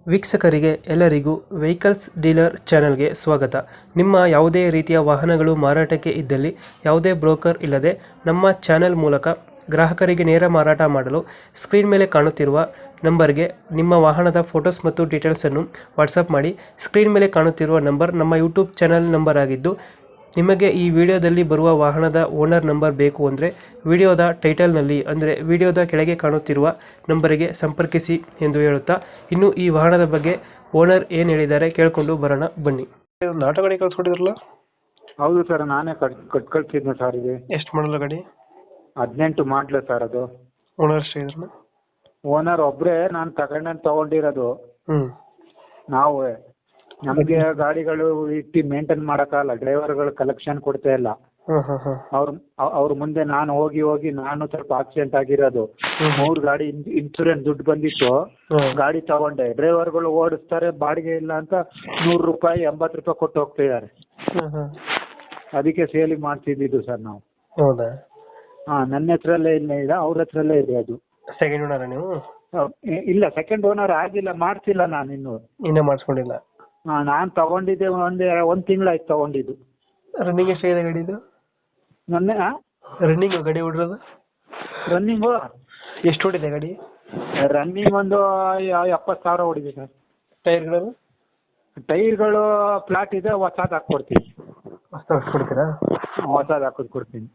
ವೀಕ್ಷಕರಿಗೆ ಎಲ್ಲರಿಗೂ vehicles dealer ಚಾನೆಲ್ಗೆ ಸ್ವಾಗತ. ನಿಮ್ಮ ಯಾವುದೇ ರೀತಿಯ ವಾಹನಗಳು ಮಾರಾಟಕ್ಕೆ ಇದ್ದಲ್ಲಿ ಯಾವುದೇ ಬ್ರೋಕರ್ ಇಲ್ಲದೆ ನಮ್ಮ ಚಾನೆಲ್ ಮೂಲಕ ಗ್ರಾಹಕರಿಗೆ ನೇರ ಮಾರಾಟ ಮಾಡಲು ಸ್ಕ್ರೀನ್ ಮೇಲೆ ಕಾಣುತ್ತಿರುವ ನಂಬರ್ಗೆ ನಿಮ್ಮ ವಾಹನದ ಫೋಟೋಸ್ ಮತ್ತು ಡೀಟೇಲ್ಸನ್ನು ವಾಟ್ಸಪ್ ಮಾಡಿ. ಸ್ಕ್ರೀನ್ ಮೇಲೆ ಕಾಣುತ್ತಿರುವ ನಂಬರ್ ನಮ್ಮ ಯೂಟ್ಯೂಬ್ ಚಾನೆಲ್ ನಂಬರ್ ಆಗಿದ್ದು, ನಿಮಗೆ ಈ ವಿಡಿಯೋದಲ್ಲಿ ಬರುವ ವಾಹನದ ಓನರ್ ನಂಬರ್ ಬೇಕು ಅಂದರೆ ವಿಡಿಯೋದ ಟೈಟಲ್ನಲ್ಲಿ ಅಂದರೆ ವಿಡಿಯೋದ ಕೆಳಗೆ ಕಾಣುತ್ತಿರುವ ನಂಬರಿಗೆ ಸಂಪರ್ಕಿಸಿ ಎಂದು ಹೇಳುತ್ತಾ, ಇನ್ನು ಈ ವಾಹನದ ಬಗ್ಗೆ ಓನರ್ ಏನು ಹೇಳಿದ್ದಾರೆ ಕೇಳಿಕೊಂಡು ಬರೋಣ ಬನ್ನಿ. ಆಟೋ ಗಾಡಿ ಕಳ್ಸ್ಕೊಟ್ಟಿದ್ರಲ್ಲ? ಹೌದು ಸರ್, ನಾನೇ ಕಳ್ಸಿದ್ದೆ ಸರ್. ಇದು ಎಷ್ಟು ಮಾಡಲ್ಲ ಗಾಡಿ? 18 ಮಾಡಲ ಸರ್. ಅದು ಓನರ್ ಅಷ್ಟೇ ಇದ್ರಲ್ಲ? ಓನರ್ ಒಬ್ಬರೇ, ನಾನು ತಗೊಂಡಿರೋದು. ನಾವು ನಮಗೆ ಗಾಡಿಗಳು ಇಟ್ಟು ಮೇಂಟೈನ್ ಮಾಡೋಕ್ಕಲ್ಲ, ಡ್ರೈವರ್ಗಳು ಕಲೆಕ್ಷನ್ ಕೊಡ್ತಾ ಇಲ್ಲ. ಅವ್ರ ಮುಂದೆ ನಾನು ಹೋಗಿ ನಾನು ಸ್ವಲ್ಪ ಆಕ್ಸಿಡೆಂಟ್ ಆಗಿರೋದು. 3 ಗಾಡಿ ಇನ್ಶೂರೆನ್ಸ್ ದುಡ್ಡು ಬಂದಿತ್ತು, ಗಾಡಿ ತಗೊಂಡೆ. ಡ್ರೈವರ್ಗಳು ಓಡಿಸ್ತಾರೆ, ಬಾಡಿಗೆ ಇಲ್ಲ ಅಂತ 100 ರೂಪಾಯಿ 80 ರೂಪಾಯಿ ಕೊಟ್ಟು ಹೋಗ್ತಿದ್ದಾರೆ. ಅದಕ್ಕೆ ಸೇಲಿಂಗ್ ಮಾಡ್ತಿದ್ದು ಸರ್ ನಾವು. ಹೌದಾ? ನನ್ನ ಹೆಸರಲ್ಲೇ ಇಲ್ಲ, ಅವ್ರ ಹೆಸರಲ್ಲೇ ಇದೆ. ಅದು ಸೆಕೆಂಡ್ ಓನರ್ ನೀವು? ಇಲ್ಲ, ಸೆಕೆಂಡ್ ಓನರ್ ಆಗಿಲ್ಲ, ಮಾಡ್ತಿಲ್ಲ ನಾನು ಇನ್ನೂ ಮಾಡಿಸ್ಕೊಂಡಿಲ್ಲ. ನಾನು ತಗೊಂಡಿದ್ದೆ ಒಂದು ತಿಂಗಳಾಯ್ತು ತಗೊಂಡಿದ್ದು. ರನ್ನಿಂಗ್ ಎಷ್ಟಾಗಿದೆ ಗಾಡಿದು? ಮೊನ್ನೆ ರನ್ನಿಂಗ್ ಗಾಡಿ ಹೊಡಿರೋದು? ರನ್ನಿಂಗು ಎಷ್ಟು ಹೊಡಿದೆ ಗಾಡಿ? ರನ್ನಿಂಗ್ ಒಂದು 70,000 ಹೊಡಿದೆ ಸರ್. ಟೈರ್ಗಳು? ಟೈರ್ಗಳು ಫ್ಲಾಟ್ ಇದೆ, ಹೊಸದು ಹಾಕ್ಕೊಡ್ತೀನಿ. ಕೊಡ್ತೀರಾ? ಹೊಸದು ಹಾಕೋದು ಕೊಡ್ತೀನಿ.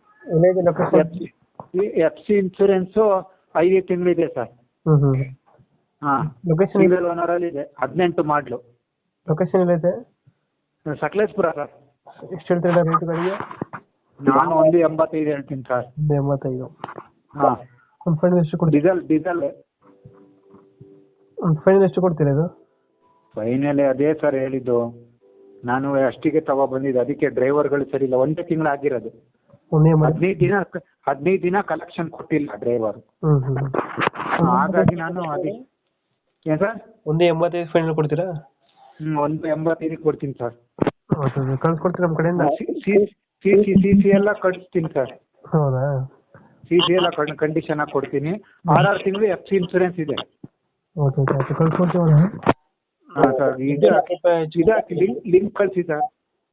FC ಇನ್ಶೂರೆನ್ಸು 5 ತಿಂಗಳಿದೆ ಸರ್. ಲೊಕೇಶನ್? ಸಿಂಗಲ್ ಓನರಲ್ಲಿ ಇದೆ. 18 ಮಾಡಲು. ಲೊಕೇಶನ್ ಎಲ್ಲೈತೆ? ಸಕಲೇಶ್ಪುರ ಸರ್. ಎಷ್ಟು ಹೇಳ್ತೀರಾ ರೇಟ್ ಗಾಡಿಗೆ? ನಾನು 185 ಹೇಳ್ತೀನಿ ಸರ್. 185. ಹಾಂ. ಒಂದು ಫೈನಲ್ ಎಷ್ಟು ಕೊಡ್ತೀರಾ? ಡೀಸೆಲ್ ಒಂದು ಫೈನಲ್ ಎಷ್ಟು ಕೊಡ್ತೀರಾ ಇದು? ಫೈನಲ್ ಅದೇ ಸರ್ ಹೇಳಿದ್ದು. ನಾನು ಅಷ್ಟಿಗೆ ತಗೊಬಂದಿದ್ದು, ಅದಕ್ಕೆ ಡ್ರೈವರ್ಗಳು ಸರಿ ಇಲ್ಲ. ಒಂದೇ ತಿಂಗಳು ಆಗಿರೋದು. 15 ದಿನ ಕಲೆಕ್ಷನ್ ಕೊಟ್ಟಿಲ್ಲ ಡ್ರೈವರ್. ಹಾಗಾಗಿ ನಾನು ಅದೇ. ಏನು ಸರ್? 185 ಫೈನಲ್ ಕೊಡ್ತೀರಾ? 185 ಕೊಡ್ತೀನಿ ಸರ್. ಕಳ್ಸ್ಕೊಡ್ತೀರಾ ನಮ್ಮ ಕಡೆಯಿಂದ? ಸಿ ಎಲ್ಲ ಕಳಿಸ್ತೀನಿ ಸರ್. ಹೌದಾ? ಸಿ ಎಲ್ಲ ಕಂಡೀಷನ್ ಆಗಿ ಕೊಡ್ತೀನಿ. 6 ತಿಂಗಳು FC ಇನ್ಶೂರೆನ್ಸ್ ಇದೆ. ಓಕೆ, ಕಳ್ಸ್ಕೊಡ್ತೀವಿ. ಹಾಂ ಸರ್, ಇದು ಲಿಂಕ್ ಕಳಿಸಿ ಸರ್.